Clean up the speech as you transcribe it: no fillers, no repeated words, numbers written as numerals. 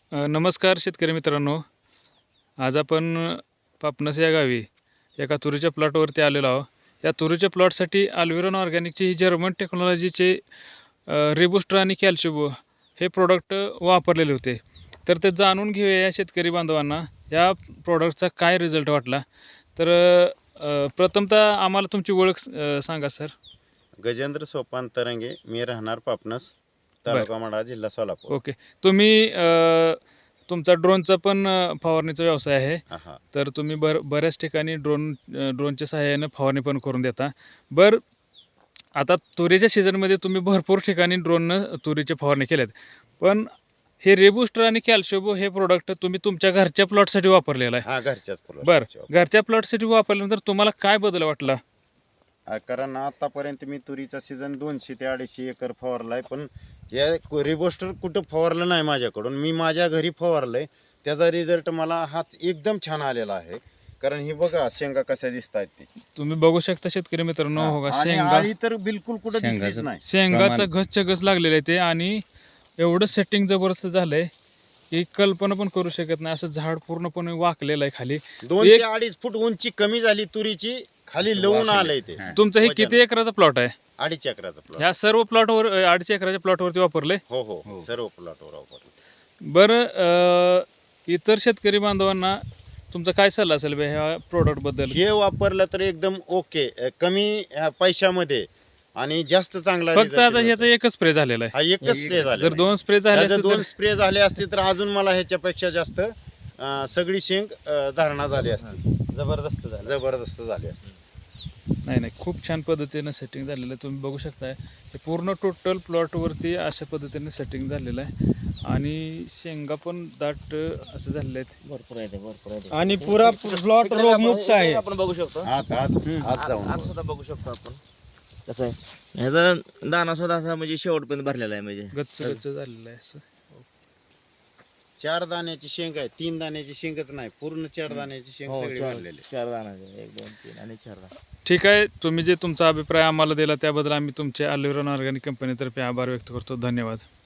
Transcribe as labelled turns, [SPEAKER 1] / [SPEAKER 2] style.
[SPEAKER 1] नमस्कार शेतकरी मित्रांनो. आज आपण पापनस या गावी एका तुरीच्या प्लॉटवरती आलेलो आहोत. या तुरीच्या प्लॉटसाठी अल्विरॉन ऑर्गॅनिकची ही जर्मन टेक्नॉलॉजीचे रिबुस्टर आणि कॅल्शिबो हे प्रोडक्ट वापरलेले होते. तर ते जाणून घेऊया या शेतकरी बांधवांना या प्रोडक्टचा काय रिझल्ट वाटला. तर प्रथमतः आम्हाला तुमची ओळख सांगा सर.
[SPEAKER 2] गजेंद्र सोपान तरंगे, मी राहणार पापनस, तालुका माढा, जिल्हा सोलापूर.
[SPEAKER 1] ओके. तुम्ही तुमचा ड्रोनचा पण फवारणीचा व्यवसाय आहे.
[SPEAKER 2] हा.
[SPEAKER 1] तर तुम्ही बऱ्याच ठिकाणी ड्रोनच्या सहाय्याने फवारणी पण करून देता. आता तुरीच्या सीझनमध्ये तुम्ही भरपूर ठिकाणी ड्रोननं तुरीचे फवारणी केल्यात. पण हे रेबुस्टर आणि कॅल्शिबो हे प्रोडक्ट तुम्ही तुमच्या घरच्या प्लॉटसाठी वापरलेलं आहे.
[SPEAKER 2] हा, घरच्याच
[SPEAKER 1] घरच्या प्लॉटसाठी वापरल्यानंतर तुम्हाला काय बदल वाटला?
[SPEAKER 2] कारण आतापर्यंत मी तुरीचा सीझन 200 ते 250 एकर फवारलाय, पण या रिबोस्टर कुठं फवारलं नाही माझ्याकडून. मी माझ्या घरी फवारलंय, त्याचा रिझल्ट मला हाच एकदम छान आलेला आहे. कारण ही बघा शेंगा कशा दिसत आहेत, ती
[SPEAKER 1] तुम्ही बघू शकता शेतकरी मित्रांनो. हो का, शेंगा
[SPEAKER 2] तर बिलकुल कुठं दिसलीच नाही.
[SPEAKER 1] शेंगाचा घसच्या घस लागलेला आहे ते, आणि एवढं सेटिंग जबरदस्त झालंय की कल्पना पण करू शकत नाही. असं झाड पूर्णपणे वाकलेलं आहे खाली.
[SPEAKER 2] 2 ते 2.5 फूट उंची कमी झाली तुरीची, खाली लवून आलंय ते.
[SPEAKER 1] तुमचं हे किती एकराचा प्लॉट आहे?
[SPEAKER 2] 2.5 एकराचा प्लॉट.
[SPEAKER 1] ह्या सर्व प्लॉटवर 2.5 एकराच्या प्लॉटवरती वापरले?
[SPEAKER 2] हो, सर्व प्लॉटवर वापरले.
[SPEAKER 1] बरं, इतर शेतकरी बांधवांना तुमचा काय सल्ला असेल ह्या प्रोडक्ट बद्दल?
[SPEAKER 2] हे वापरलं तर एकदम ओके, कमी पैशामध्ये आणि जास्त चांगला
[SPEAKER 1] फक्त
[SPEAKER 2] result
[SPEAKER 1] आता
[SPEAKER 2] येतो.
[SPEAKER 1] ह्याचा एकच स्प्रे झालेला आहे.
[SPEAKER 2] हा, एकच स्प्रे झाला.
[SPEAKER 1] जर 2 स्प्रे झाले असते
[SPEAKER 2] दोन
[SPEAKER 1] तर
[SPEAKER 2] स्प्रे झाले असते तर अजून मला ह्याच्यापेक्षा जास्त सगळी शेंग धारणा झाली असती. जबरदस्त झाली असती.
[SPEAKER 1] नाही, खूप छान पद्धतीनं सेटिंग झालेलं आहे. तुम्ही बघू शकताय हे पूर्ण टोटल प्लॉटवरती अशा पद्धतीने सेटिंग झालेलं आहे. आणि शेंगा पण दाट असं झालेले आहेत.
[SPEAKER 3] भरपूर आहे
[SPEAKER 4] आणि पुरा प्लॉट रोगमुक्त आहे.
[SPEAKER 3] आपण बघू शकतो.
[SPEAKER 2] हात जाऊन
[SPEAKER 3] सुद्धा बघू शकतो आपण कसं आहे. ह्याचा दाना सुद्धा असा म्हणजे शेवटपर्यंत भरलेला आहे, म्हणजे
[SPEAKER 1] गच्च झालेलं आहे असं.
[SPEAKER 2] 4 दाण्याची शेंग आहे, 3 दाण्याची शेंगच नाही, पूर्ण 4 दाण्याची शेंग सगळी भरलेली.
[SPEAKER 3] 4 दाना, 1 2 3 आणि 4 दाना.
[SPEAKER 1] ठीक आहे. तुम्ही जे तुमचा अभिप्राय आम्हाला दिला त्याबद्दल आम्ही तुमचे अल्विरॉन ऑर्गॅनिक कंपनीतर्फे आभार व्यक्त करतो. धन्यवाद.